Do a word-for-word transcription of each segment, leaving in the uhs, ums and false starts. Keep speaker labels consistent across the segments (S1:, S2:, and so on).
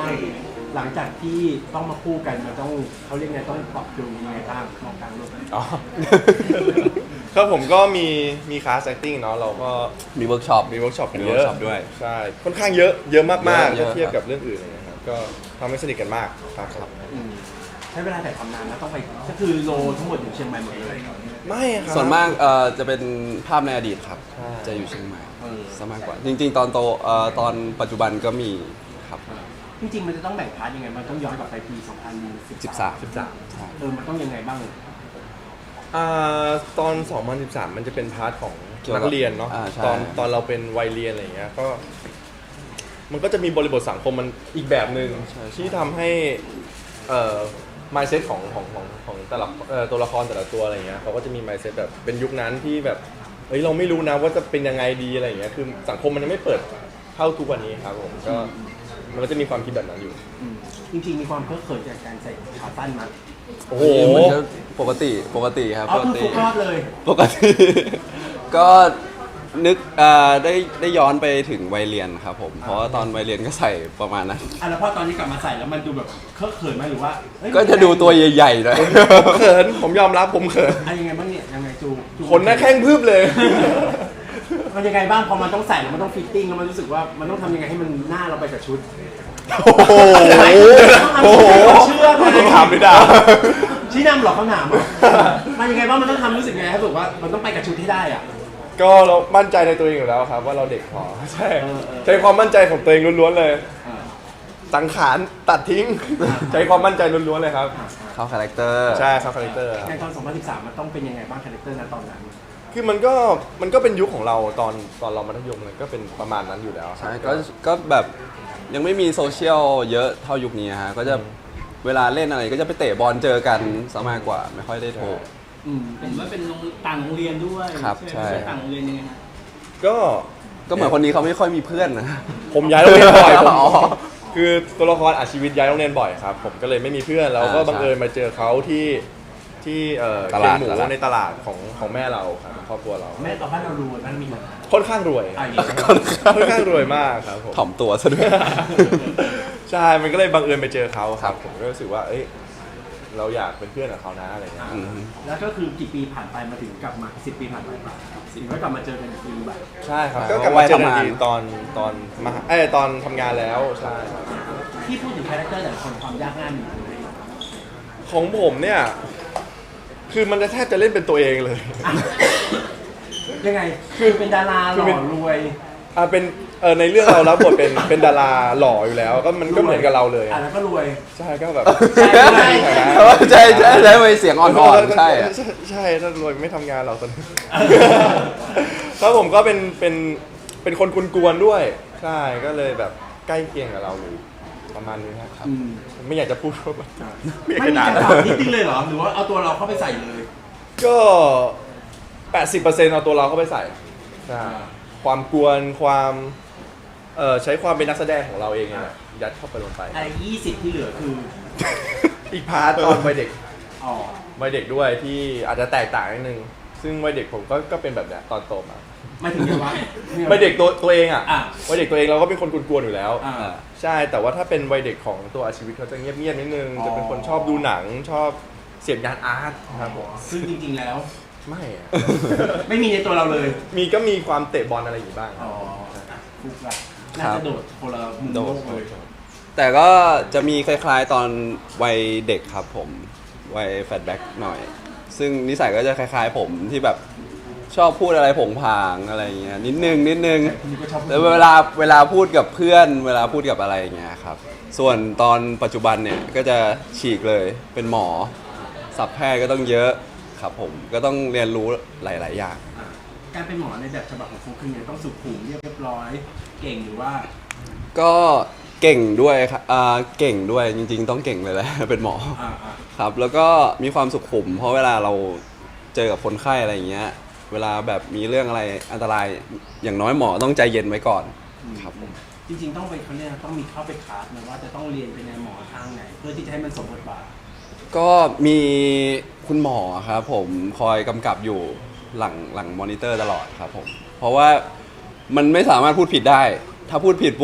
S1: หลังจากที่ต้องมาคู่กันมันต้องเขาเรียกไงต้องปรับจูนยังไงบ้างมองกลางโลก
S2: อ๋อ ครับผมก็มีมีคลาส acting เนาะเราก็
S3: มีเวิร์กช็อป
S2: มีเวิร์กช็อปกัน
S3: มี
S2: เย
S3: เวิร์
S2: อะ
S3: กช็อปด้วย
S2: ใช่ค่อนข้างเยอะเยอะมากๆ
S3: เย
S2: ถ้า
S3: อะ
S2: เทียบ
S3: ครับ
S2: กับเรื่องอื่นอะไรเงี้ยครับก็ทำให้สนิทกันมากครับครับ
S1: อืมใช้เวลาแต่ทำนานนะต้องไปก็คือโลทั้งหมดอยู่เชียงใหม่หมดเลย
S2: ไม่ครับ
S3: ส่วนมากเอ่อจะเป็นภาพในอดีตครับ
S2: ใช่
S3: จะอยู่เชียงใหม่
S1: เออ
S3: ซะมากกว่า จริง ๆ ตอนโตเอ่อตอนปัจจุบันก็มีครับ
S1: จริงๆมันจะต้องแบ่งพาร์ทยังไงมันต้องย้อนกลับไปปีสองพันสิบสาม
S3: สิบสาม ใช่
S1: เออมันต้องยังไงบ้าง
S2: อ่าตอน สองพันสิบสาม มันจะเป็นพาร์ทของ
S3: เกี่ยวกับ
S2: นักเรียนเนาะ
S3: อ่าใช่
S2: ตอนตอนเราเป็นวัยเรียนอะไรอย่างเงี้ยก็มันก็จะมีบริบทสังคมมันอีกแบบหนึ่งที่ทำให้เอ่อ mindset ของของของของแต่ละเอ่อตัวละครแต่ละตัวอะไรเงี้ยเขาก็จะมี mindset แบบเป็นยุคนั้นที่แบบเฮ้ยเราไม่รู้นะว่าจะเป็นยังไงดีอะไรอย่างเงี้ยคือสังคมมันยังไม่เปิดเท่าทุกวันนี้ครับผมก็มันก็จะมีความคิดแบบนั้นอยู่
S1: อืมจริงๆมีความเคอะเขินจากการใส่ขาสั้นมั้ย
S2: โอ้โห
S3: มันก็ปกติปกติครับ
S1: เอา
S3: ปก
S1: คือ
S3: ติ
S1: ฟุกรอดเลย
S3: ปกติ ก็นึกเอ่อได้ได้ย้อนไปถึงวัยเรียนครับผม เพราะว่าตอนวัยเรียนก็ใส่ประมาณนั้น
S1: อ่ะแล้วพอตอนนี้กลับมาใส่แล้วมันดูแบบเคอะเขินไหมหรือว่าเฮ้ย
S3: ก็จะดูตัวใหญ่ๆหน่อย
S2: ผมเขินผมยอมรับผมเขิน
S1: อ่ะยังไงบ้างเนี่ยยังไงจูจู
S2: ขนหน้าแข้งพืบเลย
S1: มันยังไงบ้างพอมันต้องใส่แล้วมันต้องฟิตติ้งแล้วมันรู้สึกว่ามันต้องทำยังไงให้มันหน้าเราไปกับชุด
S2: โอ้โหโอ้โห
S1: เชื่อไหม
S2: ถามไม่ได้
S1: ชี้นำหรอกคำถามอ่ะมันยังไงบ้างมันต้องทำรู้สึกไงให้รู้สึกว่ามันต้องไปกับชุดที่ได้อ่ะ
S2: ก็เรามั่นใจในตัวเองอยู่แล้วครับ ว่าเราเด็กพอใช่
S1: เออเออ
S2: ใช้ความมั่นใจของตัวเองล้วนๆเลย
S1: อ่า
S2: สังขารตัดทิ้ง ใช้ความมั่นใจล้วนๆเลยครับ
S3: เข้าคาแรคเตอร์
S2: ใช่ครับคาแรคเตอร์
S1: ในตอนสองพันสิบสามมันต้องเป็นยังไงบ้างคาแรคเตอร์นั้นตอนนั้น
S2: คือมันก็มันก็เป็นยุคของเราตอนตอนเรามัธยมเลยก็เป็นประมาณนั้นอยู่แล้วครับ
S3: ใช่ก็ก็แบบยังไม่มีโซเชียลเยอะเท่ายุคนี้ฮะก็จะเวลาเล่นอะไรก็จะไปเตะบอลเจอกันซะมากกว่าไม่ค่อยได้โทร
S1: อืม
S4: เห็นว่าเป็นโรงต่างโรงเรียนด้วย
S3: ครับ
S4: ใช่ไหม
S3: ใช่
S4: ต่างโรงเรียนยังไงฮะ
S2: ก็
S3: ก็เหมือนคนนี้เขาไม่ค่อยมีเพื่อนนะ
S2: ผมย้ายโรงเรียนบ่อยผม
S3: อ๋อ
S2: คือตัวละครอาชีวิตย้ายโรงเรียนบ่อยครับ ผมก็เลยไม่มีเพื่อนแล้วก็
S3: อ่า
S2: บังเอิญมาเจอเขาที่ที่เอ่อ
S3: ต
S2: เคีย
S3: ลาง ด
S2: หมู
S3: ตลาด
S2: ในตลาดของของแม่เราครับครอบครัวเรา
S1: แม่ต่อบ้านเรารู้ว่ามันมีปัญหา
S2: ค่อนข้างรวย
S1: อ่ะอย่างนี้
S2: ค่อนข้างรวยมากครับผม
S3: ถ่อมตัวซะด้วย
S2: ใช่ มันก็เลยบังเอิญไปเจอเขาครับ ผมก็รู้สึกว่า เอ้ย เราอยากเป็นเพื่อนกับเขานะอะไรเงี้ย
S3: อืม
S1: แล้วก็คือกี่ปีผ่านไปมาถึงกลับมาสิบปีผ่านไปถึงก็กลับมาเจอกันอีกทีแบบ
S2: ใช่ครับ
S3: อ่า
S2: ก็กลับมาเจอกัน
S3: วัยทำงาน
S2: อีกตอนตอนมาเอ้ยตอนทำงานแล้ว ใช่ครับ
S1: ที่พูดถึงคาแรคเตอร์แต่ละคนความยากง่ายมีอยู่ไหน
S2: ของผมเนี่ย คือมันจะแทบจะเล่นเป็นตัวเองเลย
S1: ยังไงคือเป็นดาราห
S2: คือ
S1: ล่
S2: เป็น
S1: อรวย
S2: อ่าเป็นเออในเรื่องเรารับบทเป็นเป็นดาราหล่ออยู่แล้ว ก็มันก็เหมือนกับเราเลย
S1: อ่ะแล้วก็รวย
S2: ใช่ก็แบบ
S1: ใช่ใช่
S3: ใช่ใช่ใช่ไปเสียงอ่อนๆใช่อะ
S2: ใช่ใช่ถ้ารวยไม่ทำงานหรอกตอนนี้ ครับผมก็เป็นเป็นเป็นคนกวนๆด้วย ใช่ก็เลยแบบใกล้เคียงกับเราอยู่ประมาณนี้ครับ
S1: อืม
S2: ไม่อยากจะพูดว่าแบบไม่อยาก
S1: ไม่
S2: จะ
S1: มี
S2: ด่า
S1: การปรับนิดนึงเลยเหรอหรือว่าเอาตัวเราเข้าไปใส่เลย
S2: ก็ แปดสิบเปอร์เซ็นต์ เอาตัวเราเข้าไปใส่ใช่ความกวนความเอ่อใช้ความเป็นนักแสดงของเราเองเนี่ยยัดเข้าไปลงไป
S1: ไอ้ยี่สิบที่เหลือคือ
S2: อีกพาร์ทตอนวัยเด็ก
S1: อ๋อ
S2: วัยเด็กด้วยที่อาจจะแตกต่างนิดนึงซึ่งวัยเด็กผมก็ก็เป็นแบบเนี้ยตอนโตมา
S1: ไม่ถึงยังวะ
S2: วัยเด็กตัวตัวเองอ่ะ
S1: อ่ะ
S2: วัยเด็กตัวเองเราก็เป็นคนกวนๆอยู่แล้ว
S1: อ่า
S2: ใช่แต่ว่าถ้าเป็นวัยเด็กของตัวอาชีวิตเขาจะเงียบๆนิดนึง
S1: อ๋อ
S2: จะเป็นคนชอบดูหนังชอบเสพงานอาร์ตครับผม
S1: ซึ่งจริงๆแล้ว
S2: ไม่อะ
S1: ไม่มีในตัวเราเลย
S2: มีก็มีความเตะบอลอะไรอยู่บ้าง
S1: อ๋อฟุกละน่าจะโดดคนละมุม
S3: โด
S1: โล
S3: ด
S1: กเลย
S3: แต่ก็จะมีคล้ายๆตอนวัยเด็กครับผมวัยแฟลชแบ็กหน่อย ซึ่งนิสัยก็จะคล้ายๆผมที่แบบชอบพูดอะไรผงผางอะไรอย่างเงี้ยนิดนึงนิดนึง
S1: คุณก็ชอบ
S3: แล้วเวลาเวลาพูดกับเพื่อน เวลาพูดกับอะไรอย่างเงี้ยครับส่วนตอนปัจจุบันเนี่ยก็จะฉีกเลยเป็นหมอศัพท์แพทย์ก็ต้องเยอะครับผมก็ต้องเรียนรู้หลาย ๆ อย่าง
S1: อ่ะการเป็นหมอในแบบฉบับของฟุกคือไงต้องสุขุมเรียบร้อย เก่งหรือว่า
S3: ก็เก่งด้วยครับอ่าเก่งด้วยจริง ๆ ต้องเก่งเลยแหละ เป็นหมอ
S1: อ่าอ่า
S3: ครับแล้วก็มีความสุขุม เพราะเวลาเราเจอกับคนไข้อะไรอย่างเงี้ยเวลาแบบมีเรื่องอะไรอันตรายอย่างน้อยหมอต้องใจเย็นไว้ก่อนครับผม
S1: จริงๆต้องไปเขาเรียกนะต้องมีเข้าไปคลาสนะว่าจะต้องเรียนเป็นในหมอทางไหน เพื่อที่จะให้มันสมบทบาท
S3: ก็มีคุณหมอครับผมคอยกำกับอยู่หลังหลังมอนิเตอร์ตลอดครับผมเพราะว่ามันไม่สามารถพูดผิดได้ ถ้าพูดผิดปุ๊บ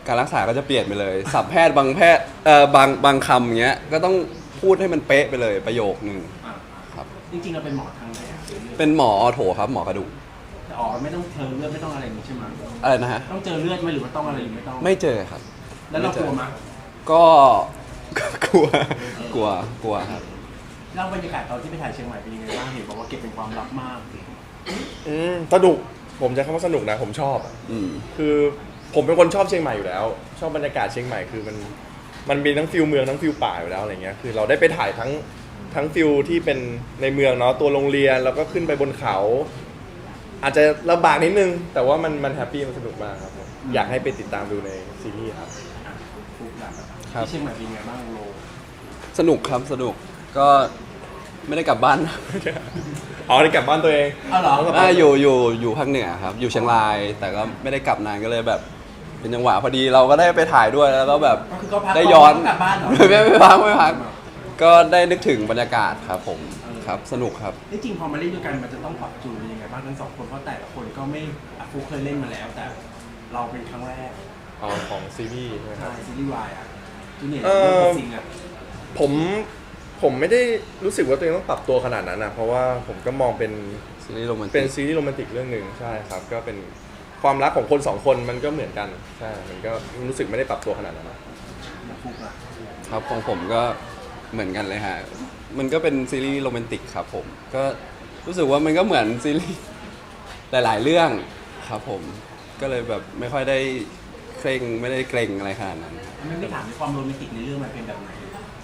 S3: การรักษาก็จะเปลี่ยนไปเลยศัพท์แพทย์บางแพทย์เอ่อบางบางคำอย่างเงี้ยก็ต้องพูดให้มันเป๊ะไปเลยประโยคนึง
S1: อ่ะ
S3: ครับ
S1: จริงๆเราเป็นหมอทางไหนอะ
S3: เป็นหมอออโถครับหมอกระดูก
S1: แต่อ๋อไม่ต้องเจอเลือดไม่ต้องอะไรอย่างนี้ใช่ไหม
S3: อะไรนะฮะ
S1: ต้องเจอเลือดไหมหรือว่าต้องอะไรไม่ต้อง
S3: ไม่เจอครับ
S1: แล้วเรากลัวไหม
S3: ก็ กลัวกลัวกลัวครับ
S1: เล่าบรรยากาศตอนที่ไปถ่ายเชียงใหม่เป็นยังไงบ้างเห็นบอกว่าเก็บเป็นความลับมาก
S2: อืมสนุกผมใช้คำว่าสนุกนะผมชอบอะ
S3: อืม
S2: คือผมเป็นคนชอบเชียงใหม่อยู่แล้ว ชอบบรรยากาศเชียงใหม่คือมันมันมีทั้งฟิลเมืองทั้งฟิลป่าอยู่แล้วอะไรเงี้ยคือเราได้ไปถ่ายทั้งทั้งฟิลที่เป็นในเมืองเนาะตัวโรงเรียนแล้วก็ขึ้นไปบนเขา อาจจะลำบากนิดนึง แต่ว่ามันมันแฮปปี้มันสนุกมากครับผมอยากให้ไปติดตามดูในซีรีส์ครับ
S1: ฟุกหลัก
S3: ครับ
S1: ที่เชียงใหม่เป็นยังไงบ้างโล
S3: สนุกครับสนุกก็ไม่ได้กลับบ้าน
S2: อ๋อได้กลับบ้านตัวเอง
S1: เอาเหรอ
S3: อ่าอยู่อยู่อยู่ภาคเหนือครับ อยู่เชียงราย แต่ก็ไม่ได้กลับนานก็เลยแบบ เป็นจังหวะพอดีเราก็ได้ไปถ่ายด้วยแล้วก็แบบ
S1: ก็คือก็พัก
S3: ได้ย้อน
S1: กลับบ้านเหรอ
S3: ไม่ไม่พักไม่พักก็ได้นึกถึงบรรยากาศครับผมครับสนุกครับ
S1: ที่จริงพอมาเล่นด้วยกันมันจะต้องปรับจูนยังไงบ้างทั้งสองคนเพราะแต่ละคนก็ไม่อ่ะฟุกเคยเล่นมาแล้ว แต่เราเป็นครั้งแรก
S2: อ๋อของซีรีส์ใช่ไหมค
S1: ใช่
S2: รับ
S1: ซีรีส์วายอ่ะจูเนียร์
S2: เอ่อ
S1: เรื่องจริงอ่ะ
S2: ผมผมไม่ได้รู้สึกว่าตัวเองต้องปรับตัวขนาดนั้นนะเพราะว่าผมก็มองเป็น
S3: ซีรีส์โรแมนติ
S2: เป็น
S3: ก
S2: ซีรีส์โรแมนติกเรื่องหนึ่งใช่ครับ ก็เป็นความรักของคนสองคนมันก็เหมือนกันใช่มันก็รู้สึกไม่ได้ปรับตัวขนาดนั้นนะ
S1: ฟุกอ่ะ
S3: ครับของผมก็เหมือนกันเลยฮะ มันก็เป็นซีรีส์โรแมนติกครับผม ก็รู้สึกว่ามันก็เหมือนซีรีส์หลายๆเรื่องครับผม ก็เลยแบบไม่ค่อยได้เคร่งไม่ได้เกรงอะไรขนาดนั้นครับ
S1: ไม่ไม่ถามในความโรแมนติกในเรื่องมันเป็นแบบไหน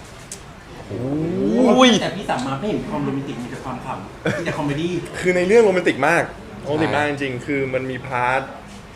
S3: อุ้ย
S1: แต่พี่สามมาไม่เห็นความโรแมนติกมีแต่ความขำมีแต่คอมเมดี้
S2: คือในเรื่องโรแมนติกมากโรแมนติกมากจริงๆ คือมันมีพาร์ท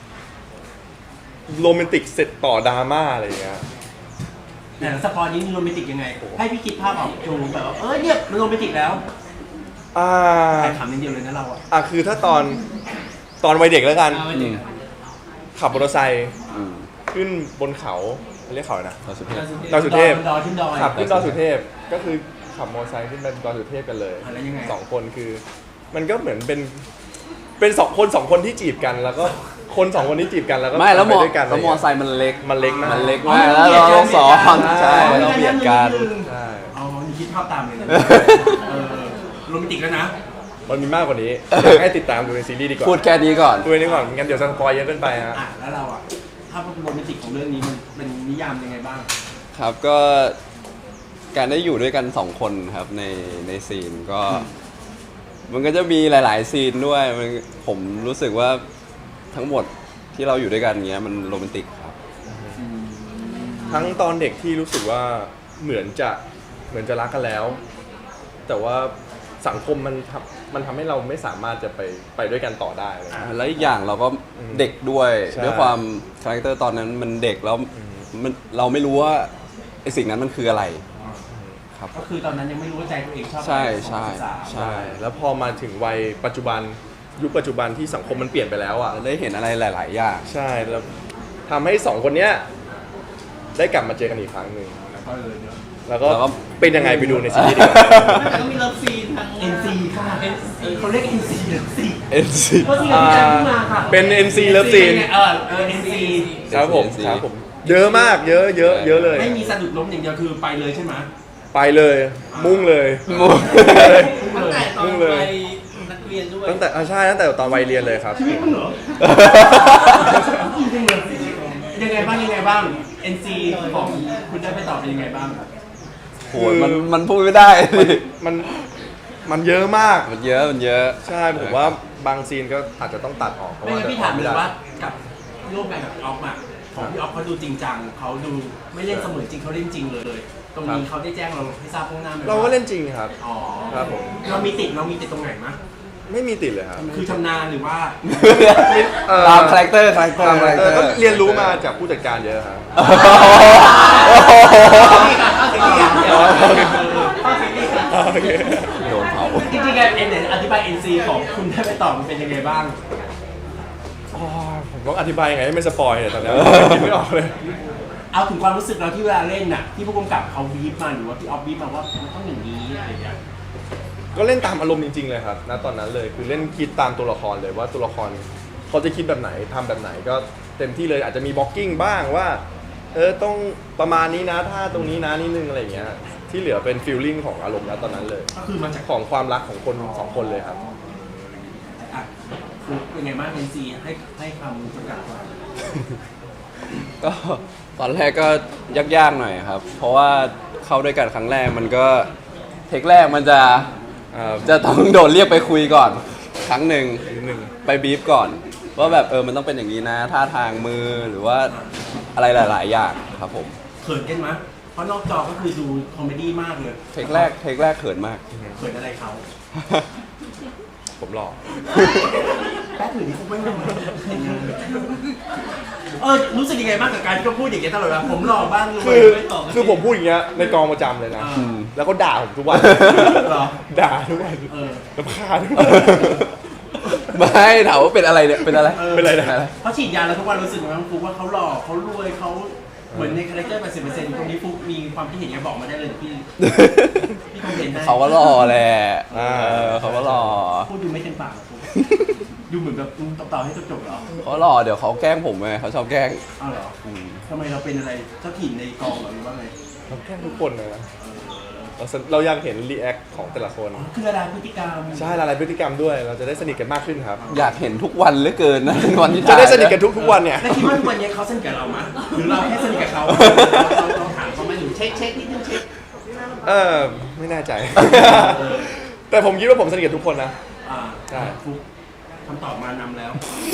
S2: โรแมนติกเสร็จต่อดราม่าอะไรอย่างเงี้ย
S1: แต่สปอยนี้มีโรแมนติกยังไง ให้พี่คิดภาพออกจูแบบว่าเออเนี่ยมันโรแมนติกแล้ว
S2: อ่า
S1: ใครขำนิดเดียวเลยนะเราอ่ะ
S2: อ่ะคือถ้าตอนตอนวัยเด็กแล้วกัน
S4: เอาไว้ดิ
S2: ขับมอเตอร์ไซค์
S3: อืม
S2: ขึ้นบนเขาเรียกเขาอะไรนะ
S3: เราสุดเทพ
S2: ดอยสุเทพ
S1: ดอยขึ้นดอย
S2: ขับขึ้นดอยสุเทพก็คือขับมอเตอร์ไซค์ขึ้นไปดอยสุเทพกันเลย
S1: อ่ะแล้วยังไง
S2: สองคนคือ มันก็เหมือนเป็นเป็นสองคนสองคนที่จีบกัน แล้วก็คนสองคนที่จีบกันแล้วก็
S3: ไม่แล้วม
S2: ไป
S3: อ
S2: ด้วยกัน
S3: แล้วมอไซค์มันเล็ก
S2: มันเล็กมาก
S3: มันเล็กมากแล้วเราต้องสอนใช่
S1: อ๋อ
S3: เราเบียดกัน
S2: ใช่
S1: อ๋อนี่คิดภาพตามเลยนะเออโรแมนติกแล้วนะ
S2: มันมีมากกว่านี้อยากให้ติดตามดูในซีรีส์ดีกว่า
S3: พูดแค่นี้ก่อน
S2: ดูในนี้ก่อนงั้นเดี๋ยวสปอยเยอะเกินไปฮะ
S1: อ่ะแล้วเราอ่ะภาพโรแมนติกของเรื่องนี้มันเป็นนิยามยังไงบ้าง
S3: ครับก็การได้อยู่ด้วยกันสองคนครับในในซีนก็ มันก็จะมีหลาย ๆ ซีนด้วยมันผมรู้สึกว่าทั้งหมดที่เราอยู่ด้วยกันเงี้ยมันโรแมนติกครับ
S2: ทั้งตอนเด็กที่รู้สึกว่าเหมือนจะเหมือนจะรักกันแล้ว แต่ว่าสังคมมันทำมันทำให้เราไม่สามารถจะไปไปด้วยกันต่อได้อะไรเลย
S3: แล้วอีกอย่างเราก็
S2: อืม
S3: เด็กด้วย
S2: ใช่
S3: ด้วยความคาแรคเตอร์ตอนนั้นมันเด็กแล้ว
S2: อืม
S3: มันเราไม่รู้ว่าไอสิ่งนั้นมันคืออะไรครับ
S1: ก็คือตอนนั้นยังไม่รู้ว่าใจตัวเองชอบ
S3: ใช่
S1: อะไร
S3: ใช่
S1: ของศึกษา
S3: ใช่
S2: แล้วพอมาถึงวัยปัจจุบันยุคปัจจุบันที่สังคมมันเปลี่ยนไปแล้วอ่ะ
S3: เราได้เห็นอะไรหลาย ๆ อย่าง
S2: ใช่แล้วทำให้สองคนเนี้ยได้กลับมาเจอกันอีกครั้งหนึ่ง
S1: แล้วก็เลยเนอะ
S2: แล้วก็
S3: แล้วก็
S2: เป็นยังไงไปดูในซีรีส์ดีกว่า
S4: แต่ก็มีเลิฟซีนทาง
S1: เอ็นซีค่ะเขาเรียก เอ็น ซี เลิฟซี
S3: เอ็นซี
S1: ก็ที่เราที่จะมาค่ะ
S2: เป็น เอ็น ซี Love Scene
S1: เออเออ เอ็น ซี
S2: ครับผม
S3: เอ็น ซี
S2: ครับผมเยอะมากเยอะเยอะเยอะเลย
S1: ไม่มีสะดุดล้มอย่างเดียวคือไปเลยใช่ไหม
S2: ไปเลยมุ่งเลย
S3: มู
S4: ตั้งแต่ตอน
S2: มุ่งเลย
S4: ไปนักเรียนด้วย
S2: ตั้งแต่อ่าใช่ตั้งแต่ตอนวัยเรียนเลยครับ
S1: ชีวิตมันเหรอจริงๆเลยยังไงบ้างยังไงบ้าง เอ็น ซี ของคุณได้ไปต่อเป็นยังไงบ้าง
S3: โหมันมันพูดไม่ได้
S2: มันมันเยอะมาก
S3: มันเยอะมันเยอะ
S2: ใช่ผมว่าบางซีนก็อาจจะต้องตัดออกเพราะ
S1: ไม่
S2: ว่า
S1: งั้นพี่ถามเลยว่ากับร่วมงานกับออฟอะของพี่ออฟเขาดูจริงจังเขาดูไม่เล่นเสมือนจริงเขาเล่นจริงเลย ตรงนี้เขาได้แจ้งเราให้ทราบล่วงหน้าไหม
S2: เราก็เล่นจริงครับ
S1: อ๋อ
S2: ครับผม
S1: เรามีติดเรามีติดตรงไหนมั้ย
S2: ไม่มีติดเลยครับ
S1: คือชำนาญหรือว่า
S2: เอ่อ
S3: ตามคาแรคเตอร์คาแรคเตอร์
S2: ตามคาแรคเตอร์ก็เรียนรู้มาจากผู้จัดการเยอะครับ โอเค
S3: โดนเผา
S1: จริงๆการเอ็นเนี่ยอธิบาย เอ็น ซี ของคุณได้ไปต่อมันเป็นยังไงบ้าง
S2: อ๋อผมต้องอธิบายยังไงให้ไม่สปอยเนี่ยตอนนี้คิดไม่ออกเลย
S1: เอาถึงความรู้สึกเราที่เวลาเล่นน่ะที่ผู้กำกับเขาบีบมาหรือว่าพี่ออฟบีบมาว่ามันต้องอย่างนี้อะไรอย่างเงี้ย
S2: ก็เล่นตามอารมณ์จริงๆเลยครับณตอนนั้นเลยคือเล่นคิดตามตัวละครเลยว่าตัวละครเขาจะคิดแบบไหนทำแบบไหนก็เต็มที่เลยอาจจะมีบล็อกกิ้งบ้างว่าเออต้องประมาณนี้นะถ้าตรงนี้นะนิดนึงอะไรอย่างเงี้ยที่เหลือเป็นฟีลลิ่งของอารมณ์แล้วตอนนั้นเลย
S1: ก็คือมาจาก
S2: ของความรักของคนสองคนเลยครับ
S1: อ่ะฟลุ๊กเป็นไงบ้างเอ็นซีให้ให้คำจำกัดความ
S3: ก็ตอนแรกก็ยากๆหน่อยครับ เพราะว่าเข้าด้วยกันครั้งแรกมันก็เทคแรกมันจะเอ่อจะต้องโดนเรียกไปคุยก่อน ครั้งหนึ่ง
S2: หนึ่ง
S3: ไปบีฟก่อน ว่าแบบเออมันต้องเป็นอย่างนี้นะท่าทางมือหรือว่าอะไรหลาย ๆ อย่างครับผม
S1: เขินกันมั้ยเพราะนอกจอก็คือดูคอมเมดี้มากเลย
S3: เทคแรกเทคแรกเขินมาก
S1: เขินอะไรเขา
S2: ผมหล่อ
S1: แป๊บหนึ่งนี่คงไม่มาเออรู้สึกยังไงบ้างกับการที่เขาพูดอย่างเงี้ยตลอดเวลาผมหล่อบ้างรวย
S2: คือ
S1: ไม่ตอบ
S2: คือผมพูดอย่างเงี้ยในกองประจำเลยนะ
S1: อืม
S2: แล้วก็ด่าผมทุกวัน
S1: เหรอ
S2: ด่าทุกวัน
S1: เออ
S2: รำคาญทุกวัน
S3: ไม่ถามว่าเป็นอะไรเนี่ยเป็นอะไร
S1: ออ
S2: เป็นไรนะ
S1: เขาฉีดยาแล้วทุกวันรู้สึกว่าฟุกว่าเขาหล่อเขารวยเขาเหมือนในคาแรคเตอร์ แปดสิบเปอร์เซ็นต์ ตรงนี้ฟุกมีความคิดเห็นยังไงบอกมาได้เลยพี่ พี่คอมเมนต์ได้
S3: เขาก็หล่อแหละ
S2: อ่า
S3: เออเขาก็หล่อ
S1: พูดดูไม่เต็มปากหรอกฟุกดูเหมือนแบบตอบต่อให้จบๆเหรอ
S3: เขาหล่อเดี๋ยวเขาแกล้งผมไงเขาชอบแกล้ง
S1: อ้าวเหรอทำไมเราเป็นอะไรเจ้าถิ่นในกองเหรอหรือว่าไง
S2: เราแค่ทุกคนเลยนะเราสนเราอยากเห็นรีแอคของแต่ละคน
S1: คืออะไรพฤติกรรม
S2: ใช่ละลายพฤติกรรมด้วย เราจะได้สนิทกันมากขึ้นครับ
S3: อยากเห็นทุกวันเหลือเกินนะ วันที่
S2: จะ
S3: ถ่าย
S2: ได้สนิทกันทุกทุกๆวันเนี่ย
S1: แล้วคิดว่าทุกวันนี้เขาสนิทกับเรามั้ยหรือเราแค่สนิทกับเขาเราเราถามเขาไหมหรือเช็คเช็คนิดนึงเช็ค
S2: เออไม่แน่ใจ แต่ผมคิดว่าผมสนิทกับทุกคนนะ
S1: อ่า
S2: ใช่
S1: ฟุกคำตอบมานำแล้ว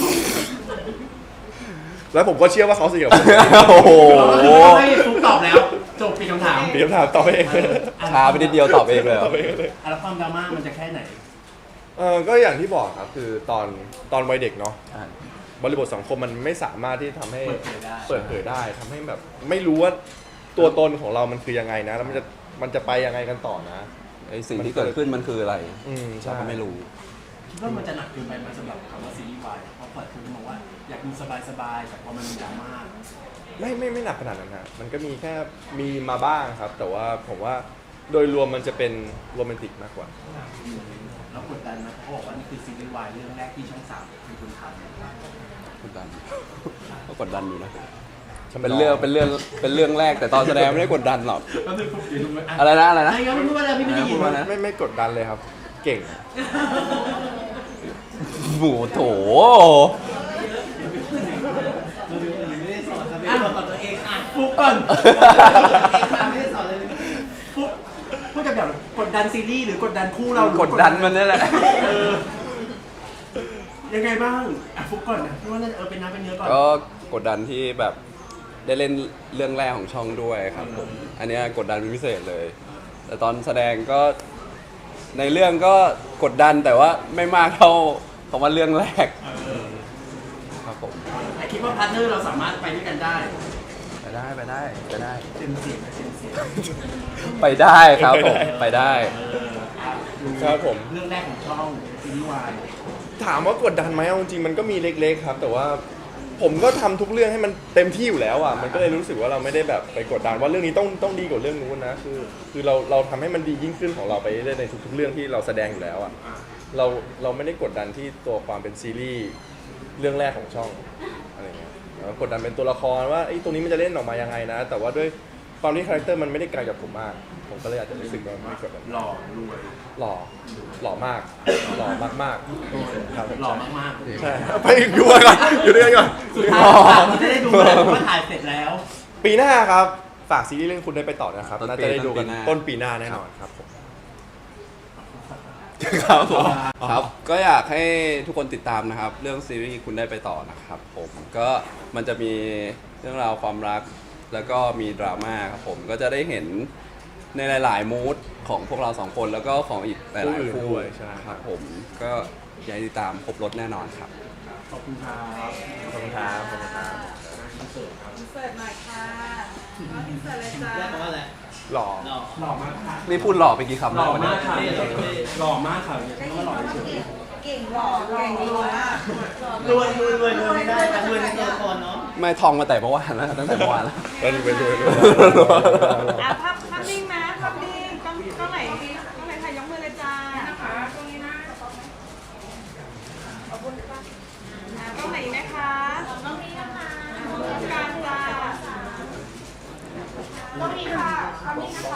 S2: แล้วผมก็เชื่อว่าเขาสนิทกับผม
S3: โอ้โห
S1: คือไม่ต้องให้ฟุกตอบแล้วจบปีคำถาม
S2: เดี๋ยวถามต่อไปเอง
S1: เอออ่ะ
S3: ช้าไปนิดเดียวตอบเองเลยเหร
S2: ต่
S3: อ
S2: อไปเองเลย
S1: อ่ะแล้วความดราม่ามันจะแค่ไหน
S2: เออก็อย่างที่บอกครับคือตอนตอนวัยเด็กเนาะบริบทสังคมมันไม่สามารถที่ทำให้
S1: เปิดเผยได้
S2: เปิดเผยได้ทำให้แบบไม่รู้ว่าตัวตนของเรามันคือยังไงนะแล้วมันจะมันจะไปยังไงกันต่อนะ
S3: ไอสิ่งที่เกิดขึ้นมันคืออะไร
S2: อืมใช่
S3: เราก็ไม่รู้
S1: คิดว่ามันจะหนักเกินไปไหมสำหรับคำว่าซีรีส์วายเพราะเปิดคุณมองว่าอยากดูสบายๆแต่พอมันมีดราม่า
S2: ไม่ไม่ไม่หนักขนาดนั้นฮะมันก็มีแค่มีมาบ้างครับ แต่ว่าผมว่าโดยรวมมันจะเป็นโรแมนติกมากกว่า
S1: แล้วกดดันไหมเขาบอกว่านี่คือซีรีส์วายเรื่องแรกที่ช่องสามเป็นคนทำ
S3: กดดัน ก็กดดันอยู่นะ เป็นเรื่องเป็นเรื่องเป็นเรื่องแรกแต่ตอนแสดงไม่ได้กดดันหรอก
S1: ก็คือฟุกเดี๋ยวดูไหม
S3: อะไรนะอะไรนะ
S1: ไอ้ยังไม่พูดอะไรพี่ไม่ได้ยิน
S3: พูดว่านะ
S2: ไม่ไม่กดดันเลยครับ เก่ง
S3: หมูโถ
S4: ไม่ได้สอนครับไม่ได้สอนตัวเองอ่ะ
S1: ฟุกก่อน
S4: ไม่ได้สอนเลย
S1: ฟุกพูดจะแบบกดดันซีรีส์หรือกดดันคู่เราหรือก
S3: ดดันมันนี่แหละ
S1: เออยังไงบ้างอ่ะฟุกก่อนนะพี่ว่าน่าจะเออเป็นน้ำเป็นเนื้อก่อน
S3: ก็กดดันที่แบบได้เล่นเรื่องแรกของช่องด้วยครับผม อันเนี้ยกดดันเป็นพิเศษเลย แต่ตอนแสดงก็ในเรื่องก็กดดันแต่ว่าไม่มากเท่าคำว่าเรื่องแรก
S1: เออ
S3: ครับผม
S1: แต่คิดว่าพาร์ทเนอร์เราสามารถไปด้วยกันได้
S3: ไปได้ไปได้ไปได้
S1: เต็มเสียงนะเต็มเสียง
S3: ไปได้ครับผมไปได้
S1: เอออ่ะดู
S2: ครับผม
S1: เรื่องแรกของช่องซีรีส์วาย
S2: ถามว่ากดดันไหมเอาจริงๆมันก็มีเล็กๆครับ แต่ว่าผมก็ทำทุกเรื่องให้มันเต็มที่อยู่แล้วอ่ะมันก็เลยรู้สึกว่าเราไม่ได้แบบไปกดดันว่าเรื่องนี้ต้องต้องดีกว่าเรื่องนู้นนะคือคือเราเราทำให้มันดียิ่งขึ้นของเราไปเรื่อยๆในทุกๆเรื่องที่เราแสดงอยู่แล้วอ่ะเราเราไม่ได้กดดันที่ตัวความเป็นซีรีส์เรื่องแรกของช่องอะไรเงี้ยเรากดดันเป็นตัวละครว่าไอ้ยตรงนี้มันจะเล่นออกมายังไงนะ แต่ว่าด้วยความที่คาแรคเตอร์มันไม่ได้ไกลกับผมมาก ผมก็เลยอาจจะรู้สึกว่าไม่กดดัน
S1: หล่อรวย
S2: หล่อหล่อมากหล่อมากๆครับ
S1: หล่อมากๆ
S2: ใช่ไปอยู่ด้วยกันอยู่ด้วยกันก่อน
S1: สุดท้ายเราจะได้ดูแล้วว่าถ่ายเสร็จแล้ว
S2: ปีหน้าครับฝากซีรีส์เรื่องคุณได้ไปต่อนะครับ
S3: ต้นปี
S2: น่าจะได้ดูกัน
S3: ต้
S2: ต้น
S3: นปี
S2: ปีห
S3: ห
S2: น้า
S3: น้า
S2: แน่นอนครับผม
S3: ครับผมครับ ก็อยากให้ทุกคนติดตามนะครับ เรื่องซีรีส์คุณได้ไปต่อนะครับผมก็มันจะมีเรื่องราวความรักแล้วก็มีดราม่าครับผมก็จะได้เห็นในหลาย ๆ มูดของพวกเราสองคนแล้วก็ของอีกหลายๆคู่
S2: ด้วยใช่
S3: ครับผมก็อยากให้ติดตามครบรถแน่นอนครับ
S1: ขอบคุณครับ
S2: ขอบคุณครับขอบคุณครับ
S1: อินเสิร์ตครับ
S5: อินเสิร์ตหน่อยค่ะก็อินเสิร์ตเลยจ้า
S4: เรียกว่าอะไร
S2: หล่อ
S4: หล่อ
S1: หล่อมากค่ะ
S3: นี่พูดหล่อไปกี่คำ
S1: หล่
S3: แล้ว
S1: อ
S3: วันนี้
S1: มากค่ะหล่อมากค่ะอย่า
S5: ได้
S1: ใช้
S5: ยิ
S1: คำ
S5: น
S1: ว่าหล่อ
S5: ว่า
S1: เฉย
S5: เก่งหล่อเก่งรวยมาก
S4: รวยรวยรวยรวยไม่ได้แต่รวยในตัวละครเนาะ
S3: ไม่ทองมาแต่เมื่อวานแล้วตั้งแต่เมื่อวานแล้ว
S2: แล้วไปดูดู
S5: อ่ะภาพภาพนิ่งนะภาพนิ่งต้องต้องไหนดีต้องไหนค่ะยกมือเลยจ้านะคะตรงนี้นะขอบคุณค่ะอ่ะต้องต้องมีค่ะคำนี้นะคะ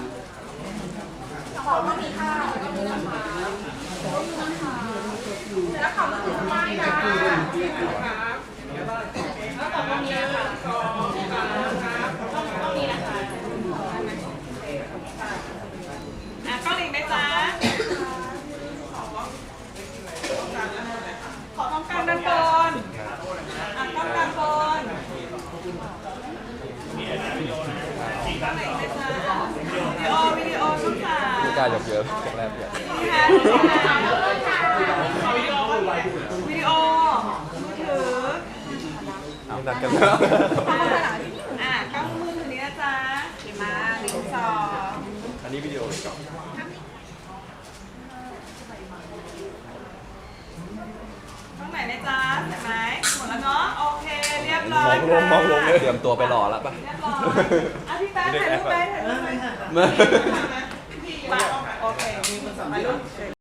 S5: ขอต้องมีค่ะต้องมีนะคะต้องมีนะคะแล้วขอต้องมีทำไมนะแล้วขอต้องมีนะคะต้องมีนะคะอ่ะต้องอีกไหมจ๊ะขอต้องการด้านบนอ่ะต้องการบนต้องไหนไหมจ๊ะวิดีโอวิดีโอต้องสาม
S2: ไม่กล้ายกเยอะแรกเยอะ
S5: นี่ค่ะนี่ค่ะวิดีโอวิดีโอมือถือ
S2: ไม่นัดกัน
S5: อ่ะกล้องมือถือนี้นะจ๊ะเห็นมาหนึ่งสอง
S2: อันนี้วิดีโอเลยก่อน
S5: ต้องไหนนะจ๊ะเห็นไหมหมดแล้วเนาะโอเคเรียบร้
S2: ม
S5: อ
S2: อย งลงมองลงเลย
S3: เตรียมตัวไปรอแล้วปะ
S5: เรียบร้อยอ่ะพี่แป๊ะถ่ายรูปไปถ่ายรูปไป
S3: เมื่อ
S5: โอเคมีคนสมัยรุ่น